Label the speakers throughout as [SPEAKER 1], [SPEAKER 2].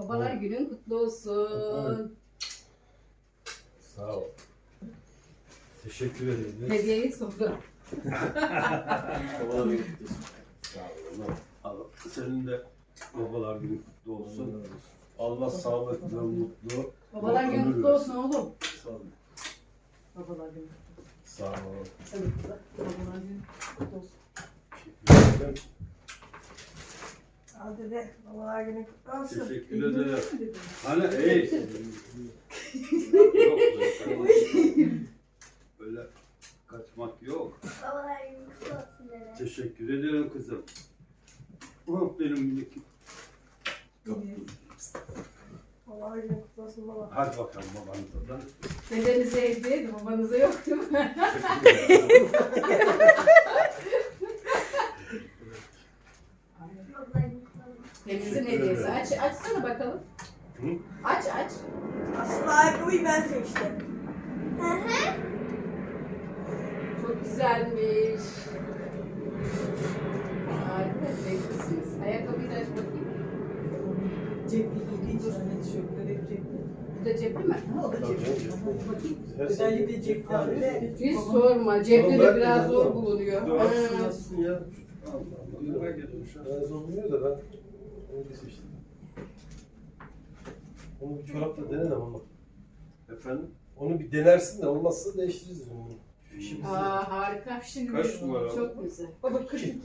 [SPEAKER 1] Babalar günün kutlu olsun.
[SPEAKER 2] Sağ ol. Teşekkür ederim.
[SPEAKER 1] Hediyeyi sordu.
[SPEAKER 2] Babalar günü kutlu olsun. Sağ ol. Allah. Senin de babalar günü kutlu olsun. Allah sağlıklı, mutlu.
[SPEAKER 1] Babalar günü kutlu olsun oğlum.
[SPEAKER 2] Sağ ol.
[SPEAKER 1] Babalar günü.
[SPEAKER 2] Sağ ol.
[SPEAKER 1] Evet, babalar günü kutlu olsun.
[SPEAKER 2] Teşekkür ederim.
[SPEAKER 3] Al dede, babalar günü kutlu olsun.
[SPEAKER 2] Teşekkür ederim. Hani Yok, böyle kaçmak yok.
[SPEAKER 3] Babalar günü kutlu olsun dede.
[SPEAKER 2] Teşekkür ederim kızım. Oh benim minik.
[SPEAKER 3] Babalar günü kutlu olsun baba.
[SPEAKER 2] Hadi bakalım babanıza da.
[SPEAKER 1] Dedenize hediye de babanıza yok değil mi?
[SPEAKER 2] Teşekkür ederim.
[SPEAKER 3] Babalar günü kutlu olsun.
[SPEAKER 1] Deniz'in hediyesi. Açsana bakalım.
[SPEAKER 2] Hı?
[SPEAKER 1] Aç.
[SPEAKER 3] Aslında ayakkabıyı ben seçtim.
[SPEAKER 1] Çok güzelmiş. Harika, zevklisiniz. Ayakkabıyı da aç bakayım.
[SPEAKER 4] Cepli giydiği için hani tişörtleri hep cepli.
[SPEAKER 1] Bu da cepli mi?
[SPEAKER 4] Ama o da cepli.
[SPEAKER 1] Bakayım.
[SPEAKER 4] Özellikle cepli abi.
[SPEAKER 1] Hiç sorma. Cepli de biraz zor bulunuyor.
[SPEAKER 2] Doğrusu nasılsın ya? Allah Allah. Yıllar gelmiş.
[SPEAKER 5] Ben zorlanıyor da ben onu bir seçtim. Onu bir çorapla denenem ama.
[SPEAKER 2] Efendim?
[SPEAKER 5] Onu bir denersin de olmazsa değiştiririz onu. İşimiz
[SPEAKER 1] Aa, harika.
[SPEAKER 2] Kaç numara?
[SPEAKER 1] Çok güzel.
[SPEAKER 4] Baba 42.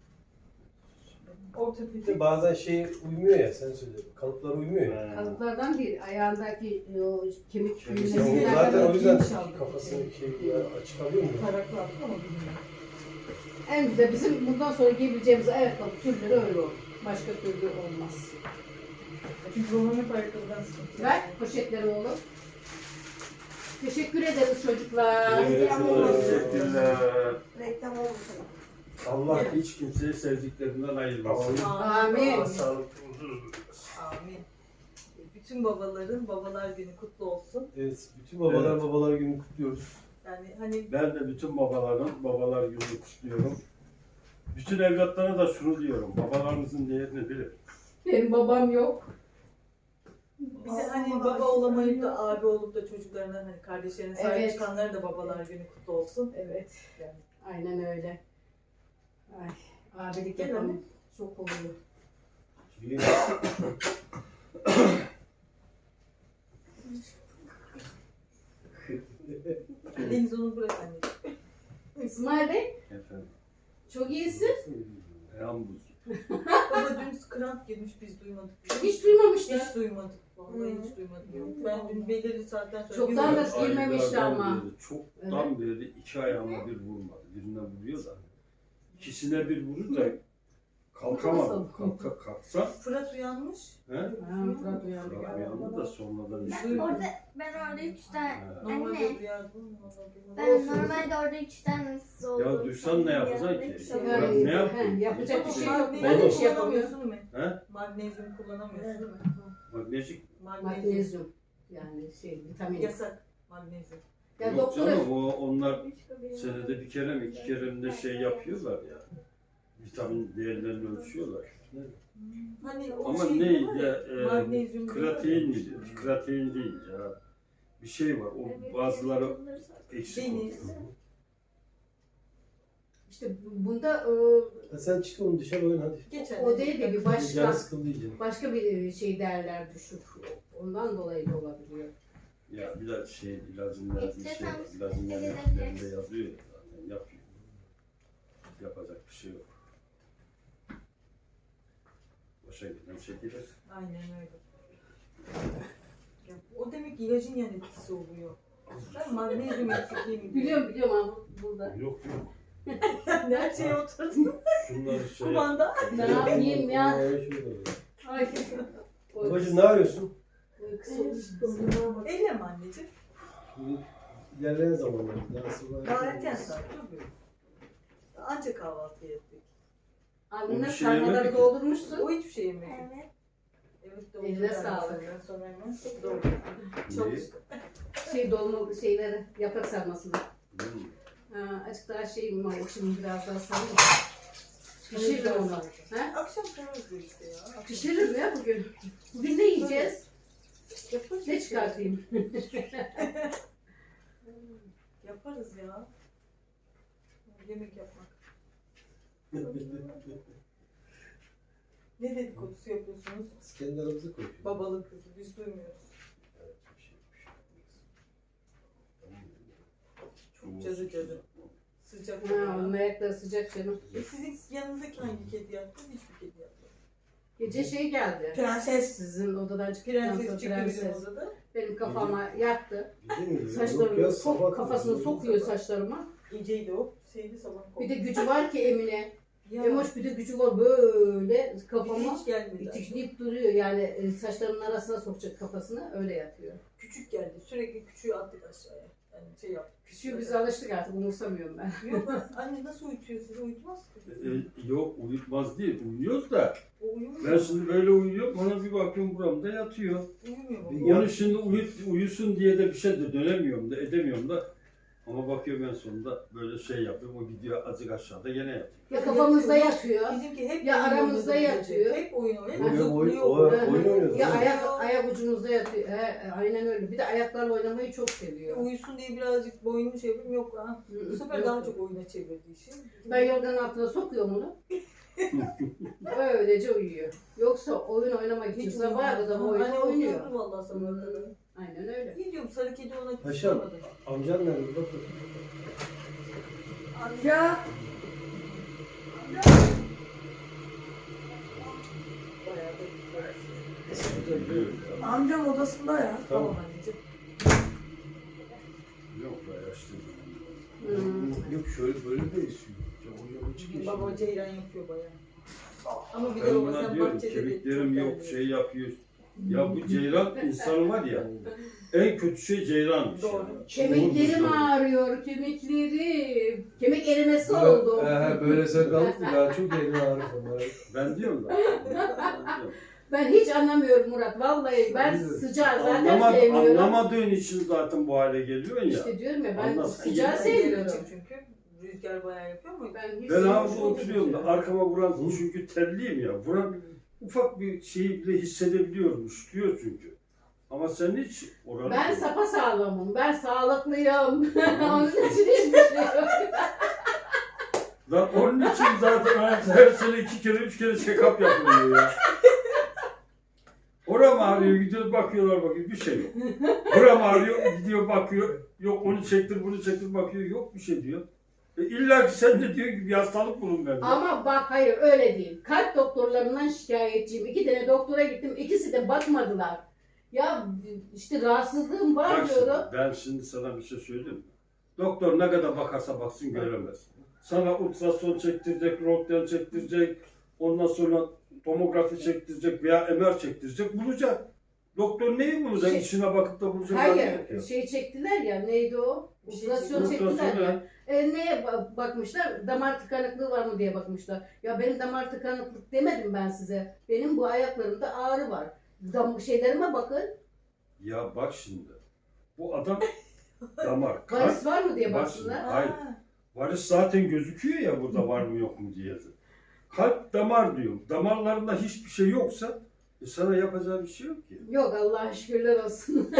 [SPEAKER 4] Orta
[SPEAKER 5] Bir de
[SPEAKER 4] piti.
[SPEAKER 5] bazen şey uymuyor ya, sen söyle. Kalıplar uymuyor ya.
[SPEAKER 1] Kalıplardan değil, ayağındaki o kemik
[SPEAKER 5] Ya o
[SPEAKER 1] büyümesinden
[SPEAKER 5] zaten o yüzden
[SPEAKER 4] geniş aldım.
[SPEAKER 5] kafasını açık alıyor mu?
[SPEAKER 4] Taraklı aldım ama bilmiyorum.
[SPEAKER 1] en güzel bizim bundan sonra giyebileceğimiz ayakkabı türleri öyle olur. Başka türlü olmaz.
[SPEAKER 4] Çünkü babam hep ayakkabıdan sıkıntı.
[SPEAKER 1] Ver poşetleri oğlum. Teşekkür ederiz çocuklar.
[SPEAKER 2] Teşekkürler.
[SPEAKER 3] Reklam olmasın.
[SPEAKER 2] Allah hiç kimseyi sevdiklerinden ayırmasın.
[SPEAKER 1] Amin.
[SPEAKER 2] Allah sağlıklı huzur.
[SPEAKER 4] Amin. Bütün babaların babalar günü kutlu olsun.
[SPEAKER 5] Evet, bütün babalar
[SPEAKER 2] Evet.
[SPEAKER 5] babalar günü kutluyoruz.
[SPEAKER 4] Yani hani
[SPEAKER 2] Ben de bütün babaların babalar gününü kutluyorum. Bütün evlatlara da şunu diyorum. Babalarınızın değerini bilin.
[SPEAKER 1] Benim babam yok.
[SPEAKER 4] bir de hani baba olamayıp da abi olup da çocuklarına hani kardeşlerine sahip
[SPEAKER 1] Evet.
[SPEAKER 4] çıkanlara da babalar günü kutlu olsun.
[SPEAKER 1] Evet. Aynen öyle. Ay, abilik
[SPEAKER 4] Değil mi?
[SPEAKER 1] yapamam. Çok oluyor.
[SPEAKER 4] Deniz onu bırak anneciğim.
[SPEAKER 1] İsmail Bey,
[SPEAKER 2] Efendim.
[SPEAKER 1] çok iyisin.
[SPEAKER 2] Yalnız.
[SPEAKER 4] Baba dün kramp girmiş biz duymadık.
[SPEAKER 1] Hiç duymamışlar.
[SPEAKER 4] Hiç duymadık. Vallahi hiç duymadık. Yok. Ben dün belirli saatten sonra
[SPEAKER 1] Çoktan da
[SPEAKER 4] bir-
[SPEAKER 1] girmemişti ama.
[SPEAKER 2] Aylardan beri, çoktan beri iki ayağıma bir vurmadı. Birine vuruyor da. İkisine bir vurur da kalkamadım. Kalksam.
[SPEAKER 4] Fırat uyanmış.
[SPEAKER 2] He?
[SPEAKER 1] Ha, Fırat uyandı.
[SPEAKER 2] Fırat uyandı da sonradan işte.
[SPEAKER 3] Ben orada 3 tane,
[SPEAKER 2] Ha.
[SPEAKER 4] Normalde
[SPEAKER 3] Anne.
[SPEAKER 4] uyardım.
[SPEAKER 3] ben normalde orada 3 tane ıssız oldum.
[SPEAKER 2] Ya duysan ne yapacaksın ki?
[SPEAKER 4] Yani,
[SPEAKER 2] Fırat ne yaptın?
[SPEAKER 1] he, yapacak bir şey yok.
[SPEAKER 4] Magnezyum
[SPEAKER 1] Ben de bir şey yapamıyorum.
[SPEAKER 4] kullanamıyorsun değil mi?
[SPEAKER 2] He?
[SPEAKER 4] Magnezyum kullanamıyorsun değil mi?
[SPEAKER 2] Magnezik.
[SPEAKER 4] Magnezyum.
[SPEAKER 1] Magnezyum. Yani vitamin.
[SPEAKER 4] Yasak. Magnezyum.
[SPEAKER 1] Ya
[SPEAKER 2] Yok
[SPEAKER 1] doktor
[SPEAKER 2] canım onlar senede bir kere mi iki kere mi de şey yapıyorlar ya. Vitamin değerlerini ölçüyorlar.
[SPEAKER 4] Hani o
[SPEAKER 2] Ama
[SPEAKER 4] şey
[SPEAKER 2] ne
[SPEAKER 4] var
[SPEAKER 2] ya,
[SPEAKER 4] magnezyum
[SPEAKER 2] kreatin midir? Kreatin değil ya. Bir şey var. O bazıları eksik oluyor.
[SPEAKER 4] Deniz.
[SPEAKER 1] işte bunda
[SPEAKER 5] Sen çık onu dışarı oyna hadi.
[SPEAKER 4] Geçen.
[SPEAKER 1] o değil de bir
[SPEAKER 5] Canı
[SPEAKER 1] başka
[SPEAKER 5] sıkıldı iyice.
[SPEAKER 1] başka bir şey değerler düşük. Ondan dolayı da olabiliyor.
[SPEAKER 2] Ya bir de şey ilacında bir şey var. İlacın
[SPEAKER 3] Evet.
[SPEAKER 2] yerlerinde yazıyor ya zaten yapıyor. Yapacak bir şey yok. Boşa giden çekilir.
[SPEAKER 4] Aynen öyle. Ya, o demek ki ilacın yan etkisi oluyor. Ben magnezyum eksikliği mi?
[SPEAKER 1] Biliyorum ama burada.
[SPEAKER 2] Yok yok.
[SPEAKER 4] Her şeye oturdum.
[SPEAKER 2] Şunları şey
[SPEAKER 4] Kumanda.
[SPEAKER 1] Ne yapayım ya? Ay.
[SPEAKER 5] Babacığım ne arıyorsun?
[SPEAKER 4] Elle mi anneciğim?
[SPEAKER 5] Şimdi ilerleyen zamanlarda daha sonra.
[SPEAKER 4] Daha erken saat tabii. Anca kahvaltı ettik.
[SPEAKER 1] Annene
[SPEAKER 2] Bir şey
[SPEAKER 1] sarmaları
[SPEAKER 2] yemedik.
[SPEAKER 1] doldurmuşsun.
[SPEAKER 4] O hiçbir şey yemedi.
[SPEAKER 3] Evet.
[SPEAKER 4] Evet doğru.
[SPEAKER 1] Eline sağlık.
[SPEAKER 4] Senden sonra hemen doğru.
[SPEAKER 2] İyi.
[SPEAKER 4] Çalıştı.
[SPEAKER 1] Dolma şeyleri, yaprak sarmasını.
[SPEAKER 2] Hmm.
[SPEAKER 1] Ha, açık daha şey mi var? Şimdi biraz daha sarayım. Pişiririm onu. He?
[SPEAKER 4] Akşam sorarız diyor işte ya.
[SPEAKER 1] Pişiririm ya bugün. Bugün ne yiyeceğiz?
[SPEAKER 4] Yaparız
[SPEAKER 1] Ne
[SPEAKER 4] işte.
[SPEAKER 1] çıkartayım?
[SPEAKER 4] Yaparız ya. Yemek yapmak. Ne dedikodusu yapıyorsunuz?
[SPEAKER 5] Biz kendi aramızda konuşuyoruz.
[SPEAKER 4] Babalı kızı biz duymuyoruz. Çok cadı. Sıcak.
[SPEAKER 1] Ha, onun ayakları sıcak canım.
[SPEAKER 4] Sizin yanınızdaki hangi kedi yattı? Hiçbir kedi yatmadı.
[SPEAKER 1] Gece şey geldi.
[SPEAKER 3] Prenses.
[SPEAKER 1] Sizin odadan çıktıktan sonra
[SPEAKER 4] Prenses çıktı bizim
[SPEAKER 1] prenses.
[SPEAKER 4] odada.
[SPEAKER 1] Benim kafama yattı.
[SPEAKER 5] Gece mi? Yok
[SPEAKER 1] Saçlarımı
[SPEAKER 5] ya, sabah
[SPEAKER 1] kafasını
[SPEAKER 5] kızı.
[SPEAKER 1] sokuyor saçlarıma.
[SPEAKER 4] Geceydi o. Şeydi sabah
[SPEAKER 1] Bir de gücü var ki Emine.
[SPEAKER 4] Ya,
[SPEAKER 1] Emoş bir de gücü var böyle kafama
[SPEAKER 4] hiç gelmedi.
[SPEAKER 1] itikleyip duruyor. Yani saçlarımın arasına sokacak kafasını öyle yatıyor.
[SPEAKER 4] Küçük geldi. Sürekli küçüğü attık aşağıya. Yani şey yaptık.
[SPEAKER 1] Küçüğü biz alıştık artık umursamıyorum ben.
[SPEAKER 4] Yok anne nasıl uyutuyor sizi? Uyutmaz ki.
[SPEAKER 2] Yok uyutmaz değil. Uyuyoruz da.
[SPEAKER 4] O uyumuyor.
[SPEAKER 2] Ben şimdi böyle uyuyorum. Ona bir bakıyorum buramda yatıyor.
[SPEAKER 4] Uyumuyor mu?
[SPEAKER 5] Ya-
[SPEAKER 2] Onu şimdi uyusun diye de bir şey de dönemiyorum da edemiyorum da. Ama bakıyorum en sonunda böyle şey yapıyorum. O gidiyor azıcık aşağıda gene yatıyor.
[SPEAKER 1] Ya kafamızda yatıyor.
[SPEAKER 4] Bizimki hep
[SPEAKER 1] Ya
[SPEAKER 4] oyun
[SPEAKER 1] aramızda
[SPEAKER 4] oynadı
[SPEAKER 1] yatıyor.
[SPEAKER 4] gece. Hep oyun oynuyor.
[SPEAKER 5] Oyun-
[SPEAKER 4] Zıplıyor.
[SPEAKER 5] oyun oynuyoruz.
[SPEAKER 1] Ya
[SPEAKER 5] Evet.
[SPEAKER 1] ayak ucumuzda yatıyor. Aynen öyle. Bir de ayaklarla oynamayı çok seviyor.
[SPEAKER 4] Uyusun diye birazcık boynunu şey yapayım. Yok ha. Bu sefer
[SPEAKER 1] Yok.
[SPEAKER 4] daha çok oyuna çevirdi işi.
[SPEAKER 1] Ben yorganın altına sokuyorum onu. Öylece uyuyor. Yoksa oyun oynamak için sabaha kadar oyun
[SPEAKER 4] Anne
[SPEAKER 1] oynuyor.
[SPEAKER 4] oturdu vallahi sabaha kadar.
[SPEAKER 1] Aynen öyle.
[SPEAKER 4] Ne diyorum sarı kedi ona
[SPEAKER 5] Paşam.
[SPEAKER 4] kızmadı.
[SPEAKER 5] Amcan nerede? Bak bakayım.
[SPEAKER 3] Amca.
[SPEAKER 4] Bayağı da
[SPEAKER 2] Biliyorum ya.
[SPEAKER 3] Amcam odasında ya.
[SPEAKER 4] Tamam anneciğim.
[SPEAKER 2] Yok be yaşlı.
[SPEAKER 5] Yok şöyle böyle de esiyor. Ya o yabancı geçiyor.
[SPEAKER 4] Baba ceylan yapıyor bayağı. Ama bir de
[SPEAKER 2] Ben
[SPEAKER 4] baba
[SPEAKER 2] buna
[SPEAKER 4] sen
[SPEAKER 2] diyorum
[SPEAKER 4] bahçede
[SPEAKER 2] kemiklerim
[SPEAKER 4] çok
[SPEAKER 2] yok
[SPEAKER 4] terliyorsun.
[SPEAKER 2] şey yapıyor. Ya bu ceylan insan var ya en kötü şey ceylanmış.
[SPEAKER 4] Doğru.
[SPEAKER 2] Yani.
[SPEAKER 1] Kemiklerim
[SPEAKER 2] Doğru.
[SPEAKER 1] ağrıyor, kemiklerim. Kemik erimesi oldu.
[SPEAKER 5] Böyle sakalık daha çok elini ağrır onlara.
[SPEAKER 2] Ben diyorum da.
[SPEAKER 1] Ben hiç anlamıyorum Murat. Vallahi ben
[SPEAKER 5] Biz de-
[SPEAKER 1] sıcağı zaten sevmiyorum.
[SPEAKER 2] Anlamadığın için zaten bu hale geliyorsun ya.
[SPEAKER 1] İşte diyorum ya ben
[SPEAKER 2] Anlasın.
[SPEAKER 1] sıcağı
[SPEAKER 2] Ben
[SPEAKER 1] sevmiyorum.
[SPEAKER 4] Çünkü rüzgar bayağı yapıyor ama
[SPEAKER 1] Ben hiç
[SPEAKER 2] Ben
[SPEAKER 1] sevmiyorum.
[SPEAKER 2] havuzda oturuyorum da arkama vuran çünkü terliyim ya. Vuran ufak bir şeyi bile hissedebiliyorum. Üşütüyor çünkü. Ama sen hiç oranı...
[SPEAKER 1] Ben sapasağlamım. Ben sağlıklıyım. Onun için hiçbir şey yok.
[SPEAKER 2] Lan onun için zaten her sene 2 kere 3 kere check-up yapılıyor ya. Oram ağrıyor, gidiyor bakıyorlar bakıyor bir şey yok. Buram ağrıyor, gidiyor bakıyor. Yok onu çektir, bunu çektir bakıyor. Yok bir şey diyor. İlla ki sen de diyor ki bir hastalık bulun bende.
[SPEAKER 1] Ama bak hayır öyle değil. Kalp doktorlarından şikayetçiyim. 2 tane doktora gittim. İkisi de bakmadılar. Ya işte rahatsızlığım var
[SPEAKER 2] Bak şimdi,
[SPEAKER 1] diyorum.
[SPEAKER 2] ben şimdi sana bir şey söyleyeyim mi? Doktor ne kadar bakarsa baksın göremez. Sana ultrason çektirecek, röntgen çektirecek, ondan sonra tomografi çektirecek veya MR çektirecek bulacak. Doktor neyi bulacak?
[SPEAKER 1] Şey-
[SPEAKER 2] İşine bakıp da bulacak. hali yok ya.
[SPEAKER 1] Hayır şey çektiler ya neydi o?
[SPEAKER 4] Bir şey
[SPEAKER 1] Ultrason
[SPEAKER 2] Ultrason
[SPEAKER 1] çektiler ya.
[SPEAKER 2] ne?
[SPEAKER 1] Neye bakmışlar? Damar tıkanıklığı var mı diye bakmışlar. Ya benim damar tıkanıklık demedim ben size. Benim bu ayaklarımda ağrı var. Şeylerime bakın.
[SPEAKER 2] Ya bak şimdi. Bu adam damar.
[SPEAKER 1] Varis var mı diye
[SPEAKER 2] Bak
[SPEAKER 1] baksınlar.
[SPEAKER 2] şimdi, hayır. Varis zaten gözüküyor ya burada var mı yok mu diye. Kalp damar diyorum. Damarlarında hiçbir şey yoksa sana yapacağı bir şey yok ki.
[SPEAKER 1] Yok Allah'a şükürler olsun.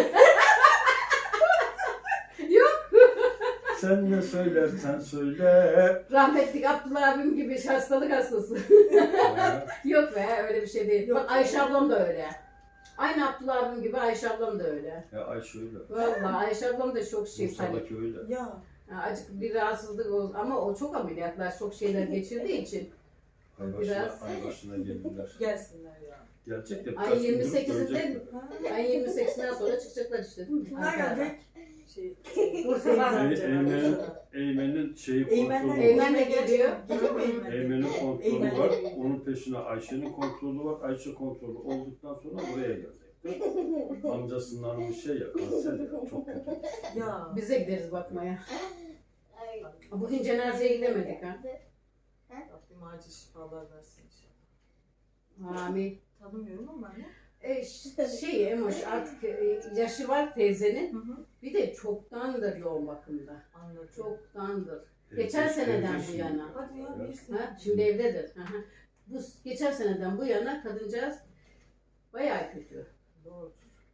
[SPEAKER 2] Sen ne söylersen söyle.
[SPEAKER 1] Rahmetli Abdullah abim gibi hastalık hastası. Yok be öyle bir şey değil.
[SPEAKER 4] Yok.
[SPEAKER 1] Bak Ayşe ablam da öyle. Aynı Abdullah abim gibi Ayşe ablam da öyle.
[SPEAKER 2] Ya Ayşe öyle.
[SPEAKER 1] Vallahi Ayşe ablam da çok şey hani.
[SPEAKER 2] Bursa'daki öyle.
[SPEAKER 4] ya
[SPEAKER 1] Acık bir rahatsızlık oldu ama o çok ameliyatlar, çok şeyler geçirdiği için. Biraz.
[SPEAKER 2] Ay başına geldiler.
[SPEAKER 4] gelsinler ya.
[SPEAKER 2] Gelecek de
[SPEAKER 1] Ay
[SPEAKER 2] birkaç gün durup
[SPEAKER 1] 28'inde
[SPEAKER 4] Ha?
[SPEAKER 1] ay 28'inden sonra çıkacaklar işte değil mi?
[SPEAKER 3] Kimler gelecek?
[SPEAKER 4] Şey,
[SPEAKER 1] Bursa'dan.
[SPEAKER 2] Eymen'in şeyi
[SPEAKER 4] Eymen'den
[SPEAKER 2] kontrolü var.
[SPEAKER 1] Eymen de geliyor.
[SPEAKER 4] Geliyor mu Eymen?
[SPEAKER 2] Eymen'in kontrolü
[SPEAKER 4] Eymen.
[SPEAKER 2] var. Onun peşine Ayşe'nin kontrolü var. Ayşe kontrolü olduktan sonra buraya gelecekler. Amcasından bir şey ya kanser ya çok kötü.
[SPEAKER 4] Ya.
[SPEAKER 1] Bize gideriz bakmaya. Bugün cenazeye gidemedik ha.
[SPEAKER 4] Rabbim acil şifalar versin inşallah.
[SPEAKER 1] Amin.
[SPEAKER 4] Tanımıyorum ama ne?
[SPEAKER 1] Şey Emoş artık yaşı var teyzenin.
[SPEAKER 4] Hı hı.
[SPEAKER 1] Bir de çoktandır yoğun bakımda.
[SPEAKER 4] Anladım.
[SPEAKER 1] Çoktandır. Geçen seneden
[SPEAKER 2] evde
[SPEAKER 1] bu
[SPEAKER 2] şimdi.
[SPEAKER 1] yana.
[SPEAKER 4] Hadi ya
[SPEAKER 2] Evet.
[SPEAKER 4] bilirsin.
[SPEAKER 1] Ha, şimdi evdedir. Hı hı. Bu geçen seneden bu yana kadıncağız bayağı kötü.
[SPEAKER 4] Doğru.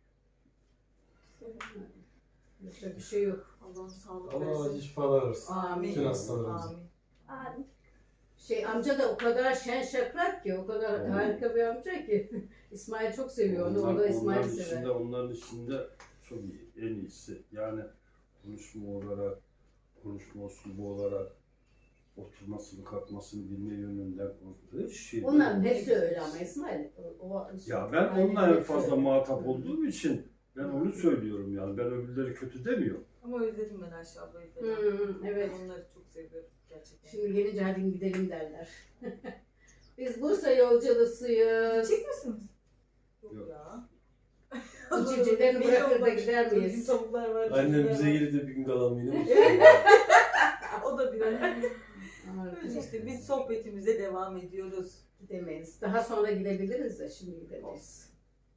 [SPEAKER 1] Başka bir şey yok.
[SPEAKER 4] Allah'ım sağlık
[SPEAKER 5] Allah acı
[SPEAKER 4] versin.
[SPEAKER 5] şifalar versin.
[SPEAKER 1] Amin.
[SPEAKER 5] Bütün hastalarımıza.
[SPEAKER 4] Amin.
[SPEAKER 3] Abi.
[SPEAKER 1] Amca da o kadar şen şakrak ki, o kadar
[SPEAKER 2] Amin.
[SPEAKER 1] harika bir amca ki. İsmail çok seviyor onu, o da
[SPEAKER 2] Onların
[SPEAKER 1] İsmail'i sever.
[SPEAKER 2] onların içinde çok iyi, en iyisi. Yani konuşma olarak, konuşma uslubu olarak, oturmasını, kalkmasını bilme yönünden konuştuğu şey.
[SPEAKER 1] Onların hepsi öyle ama İsmail.
[SPEAKER 2] Ya ben onunla en fazla muhatap olduğum için ben onu söylüyorum yani. Ben öbürleri kötü demiyorum.
[SPEAKER 4] Ama özledim ben Ayşe ablayı falan.
[SPEAKER 1] Evet.
[SPEAKER 4] Onları çok seviyorum gerçekten.
[SPEAKER 1] Şimdi gelince hadi gidelim derler. Biz Bursa yolculusuyuz.
[SPEAKER 4] Gidecek misiniz? Yok
[SPEAKER 2] Yok.
[SPEAKER 4] ya.
[SPEAKER 1] Bu civcivlerini
[SPEAKER 4] Belli
[SPEAKER 1] bırakır da
[SPEAKER 4] olmaz.
[SPEAKER 1] gider miyiz?
[SPEAKER 4] Bizim tavuklar var.
[SPEAKER 5] Annem
[SPEAKER 4] civcivler
[SPEAKER 5] bize
[SPEAKER 4] var.
[SPEAKER 5] gelip de bir gün kalalım yine mi?
[SPEAKER 4] O da biraz.
[SPEAKER 1] Ama
[SPEAKER 4] Öyle işte biz sohbetimize devam ediyoruz.
[SPEAKER 1] gidemeyiz. Daha sonra gidebiliriz de şimdi gidemeyiz.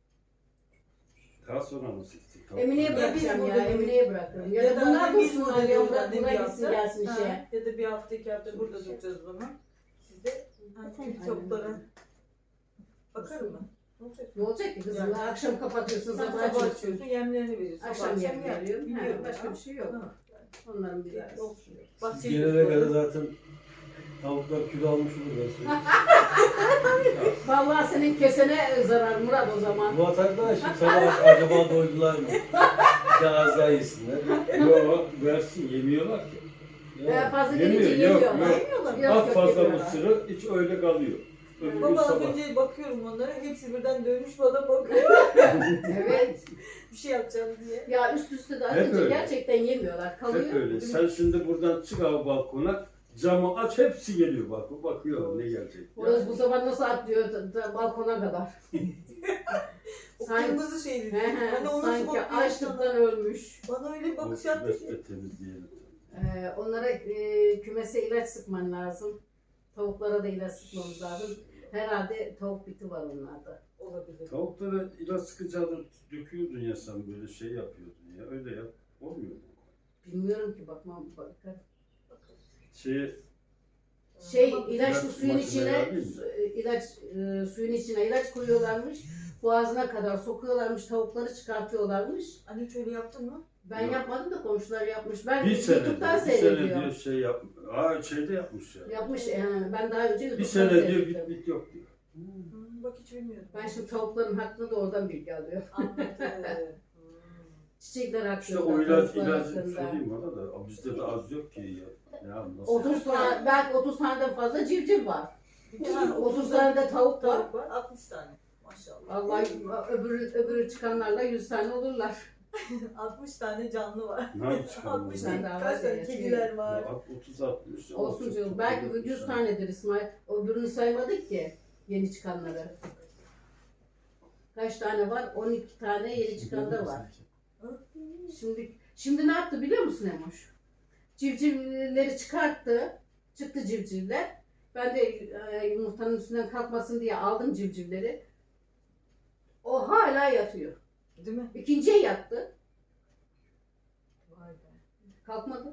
[SPEAKER 2] Daha sonra nasıl gittik?
[SPEAKER 1] Emine'ye
[SPEAKER 4] Ya biz
[SPEAKER 1] bırakacağım ya,
[SPEAKER 4] burada-
[SPEAKER 1] Emine'ye bırakırım. Ya da
[SPEAKER 4] da
[SPEAKER 1] bunlar
[SPEAKER 4] biz
[SPEAKER 1] dursunlar
[SPEAKER 4] burada
[SPEAKER 1] ya,
[SPEAKER 4] dururuz,
[SPEAKER 1] bırak
[SPEAKER 4] annem
[SPEAKER 1] buna
[SPEAKER 4] bir
[SPEAKER 1] gitsin
[SPEAKER 4] hafta.
[SPEAKER 1] gelsin
[SPEAKER 4] Ha,
[SPEAKER 1] işe.
[SPEAKER 4] Ya da bir hafta iki hafta burada duracağız o zaman. Siz de
[SPEAKER 3] Aynen.
[SPEAKER 4] tavuklara bakarım ben. Ne olacak?
[SPEAKER 1] Ne olacak ki kızım?
[SPEAKER 4] Yani-
[SPEAKER 1] Akşam kapatıyorsun,
[SPEAKER 4] Sen
[SPEAKER 1] sabah
[SPEAKER 4] sabah
[SPEAKER 1] açıyorsun.
[SPEAKER 4] açıyorsun, yemlerini veriyorsun.
[SPEAKER 1] Akşam
[SPEAKER 4] Sabah
[SPEAKER 1] yem
[SPEAKER 4] yer.
[SPEAKER 1] veriyorum.
[SPEAKER 4] Biliyorum
[SPEAKER 1] Başka
[SPEAKER 4] ya.
[SPEAKER 1] bir şey yok.
[SPEAKER 4] Ha.
[SPEAKER 1] Onların bir
[SPEAKER 4] Olsun.
[SPEAKER 5] Siz
[SPEAKER 4] Bahçeyi
[SPEAKER 5] gelene kadar
[SPEAKER 4] gösterdim.
[SPEAKER 5] zaten tavuklar kilo almış olur ben söyleyeyim.
[SPEAKER 1] Vallahi senin kesene zarar Murat o zaman.
[SPEAKER 5] Bu ataklar şimdi sabah acaba doydular mı? Bir de az daha yesinler.
[SPEAKER 2] Yok versin yemiyorlar ki.
[SPEAKER 1] Fazla
[SPEAKER 2] Yemiyor,
[SPEAKER 1] gelince
[SPEAKER 2] yok,
[SPEAKER 1] yemiyorlar.
[SPEAKER 2] yok.
[SPEAKER 4] Yemiyorlar mı?
[SPEAKER 1] Yok,
[SPEAKER 2] At
[SPEAKER 1] yok,
[SPEAKER 2] fazla
[SPEAKER 1] yemiyorlar.
[SPEAKER 2] mısırı hiç öyle kalıyor. Öbür gün
[SPEAKER 4] Baba az
[SPEAKER 2] sabah.
[SPEAKER 4] önce bakıyorum onlara, hepsi birden dönmüş bana bakıyor.
[SPEAKER 1] Evet.
[SPEAKER 4] Bir şey yapacağım diye.
[SPEAKER 1] Ya üst üste de
[SPEAKER 2] Hep
[SPEAKER 1] atınca
[SPEAKER 2] öyle.
[SPEAKER 1] gerçekten yemiyorlar. Kalıyor.
[SPEAKER 2] Hep öyle. Sen şimdi buradan çık abi balkona, camı aç hepsi geliyor bak. Bakıyor ne gelecek.
[SPEAKER 1] Orası bu sabah nasıl atlıyor balkona kadar.
[SPEAKER 4] O
[SPEAKER 1] Sanki-
[SPEAKER 4] kırmızı şeydi.
[SPEAKER 1] He he,
[SPEAKER 4] Hani o nasıl
[SPEAKER 1] sanki
[SPEAKER 4] bakıyor
[SPEAKER 1] açlıktan
[SPEAKER 4] sana?
[SPEAKER 1] ölmüş.
[SPEAKER 4] Bana öyle bir bakış
[SPEAKER 2] Bakış
[SPEAKER 4] attı ki.
[SPEAKER 2] de temizleyelim.
[SPEAKER 1] Onlara kümese ilaç sıkman lazım. Tavuklara da ilaç sıkmamız lazım. Herhalde tavuk biti var onlarda.
[SPEAKER 4] Olabilir.
[SPEAKER 2] Tavuklara ilaç sıkacağını döküyordun ya sen böyle şey yapıyordun ya. Öyle yap. Olmuyor mu?
[SPEAKER 1] Bilmiyorum ki bakmam bakarım.
[SPEAKER 2] Şey,
[SPEAKER 1] Ilaçlı
[SPEAKER 2] İlaç
[SPEAKER 1] suyun
[SPEAKER 2] makineye
[SPEAKER 1] içine
[SPEAKER 2] vereyim
[SPEAKER 1] suyun içine ilaç koyuyorlarmış. Boğazına kadar sokuyorlarmış, tavukları çıkartıyorlarmış.
[SPEAKER 4] Anne hiç öyle yaptın mı?
[SPEAKER 1] Ben
[SPEAKER 2] Yok.
[SPEAKER 1] yapmadım da komşular yapmış. Ben
[SPEAKER 2] bir sene
[SPEAKER 1] YouTube'dan
[SPEAKER 2] diyor, bir sene
[SPEAKER 1] seyrediyorum.
[SPEAKER 2] diyor şey yap. Aa şeyde yapmış ya.
[SPEAKER 1] Yapmış yani ben daha önce
[SPEAKER 2] Bir
[SPEAKER 1] YouTube'dan
[SPEAKER 2] sene diyor
[SPEAKER 1] seyrettim.
[SPEAKER 2] bit yok diyor.
[SPEAKER 4] Bak hiç bilmiyordum.
[SPEAKER 1] Ben şimdi tavukların hakkında da oradan bilgi alıyorum.
[SPEAKER 4] Anladım.
[SPEAKER 1] Çiçekler hakkında,
[SPEAKER 2] İşte o ilaç
[SPEAKER 1] tavuklar
[SPEAKER 2] ilacı
[SPEAKER 1] hakkında.
[SPEAKER 2] söyleyeyim bana da bizde de az yok ki ya. Ya nasıl?
[SPEAKER 1] 30 tane, belki 30 taneden fazla civciv var.
[SPEAKER 4] Bir tane
[SPEAKER 1] 30 tane de tavuk var.
[SPEAKER 4] tavuk var, 60 tane. Maşallah.
[SPEAKER 1] Vallahi öbürü çıkanlarla 100 tane olurlar.
[SPEAKER 4] 60 tane canlı var.
[SPEAKER 2] Ne çıkardı?
[SPEAKER 4] 60
[SPEAKER 1] tane
[SPEAKER 4] tane,
[SPEAKER 1] daha
[SPEAKER 4] kaç
[SPEAKER 1] var
[SPEAKER 4] tane
[SPEAKER 1] ya,
[SPEAKER 4] kediler var.
[SPEAKER 2] 30-60.
[SPEAKER 1] Olsun canım. Belki 100 tanedir İsmail. Öbürünü saymadık ki yeni çıkanları. Kaç tane var? 12 tane yeni çıkan da var. Şimdi ne yaptı biliyor musun Emoş? Civcivleri çıkarttı. Çıktı civcivler. Ben de yumurtanın üstünden kalkmasın diye aldım civcivleri. O hala yatıyor.
[SPEAKER 4] Değil mi?
[SPEAKER 1] İkinciye yattı.
[SPEAKER 4] Vay be.
[SPEAKER 1] Kalkmadı.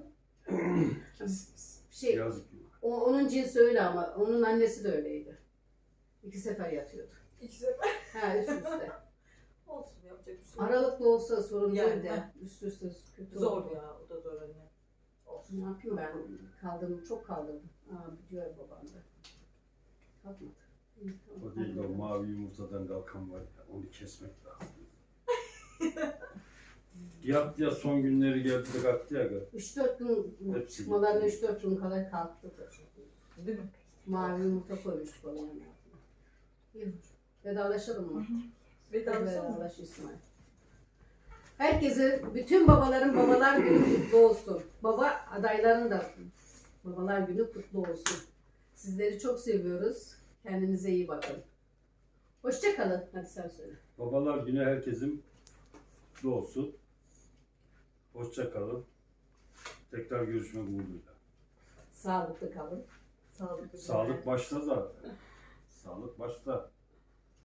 [SPEAKER 2] Yazık.
[SPEAKER 1] Onun cinsi öyle ama onun annesi de öyleydi. 2 sefer yatıyordu.
[SPEAKER 4] İki sefer
[SPEAKER 1] Ha üst üste.
[SPEAKER 4] olsun yapacak bir şey yok.
[SPEAKER 1] Aralıklı olsa sorun
[SPEAKER 4] Yani,
[SPEAKER 1] değil de
[SPEAKER 4] ha.
[SPEAKER 1] üst üste kötü
[SPEAKER 4] Zor
[SPEAKER 1] oldu.
[SPEAKER 4] ya, o da zor anne. Olsun.
[SPEAKER 1] Ne yapayım ben? Kaldırdım, çok kaldırdım. Biliyor babam da. Kalkmadı. İyi, tamam,
[SPEAKER 2] O değil o
[SPEAKER 1] kalkmadı.
[SPEAKER 2] mavi yumurtadan kalkan var ya onu kesmek lazım. Yattı ya son günleri geldi de kalktı ya.
[SPEAKER 1] 3-4 gün
[SPEAKER 2] Hepsi
[SPEAKER 1] çıkmalarına
[SPEAKER 2] gitti.
[SPEAKER 1] 3-4 gün kadar kalktı.
[SPEAKER 4] Değil mi?
[SPEAKER 1] Mavi yumurta koymuştuk onun yanına. İyi. Vedalaşalım mı?
[SPEAKER 4] Vedalaşalım mı?
[SPEAKER 1] Vedalaş İsmail. Herkese, bütün babaların babalar günü kutlu olsun. Baba adayların da babalar günü kutlu olsun. Sizleri çok seviyoruz. Kendinize iyi bakın. Hoşça kalın. Hadi sen söyle.
[SPEAKER 2] Babalar günü herkesin kutlu olsun. Hoşça kalın. Tekrar görüşmek umuduyla.
[SPEAKER 1] Sağlıklı kalın.
[SPEAKER 4] Sağlıklı.
[SPEAKER 2] Sağlık başta zaten. Sağlık başta.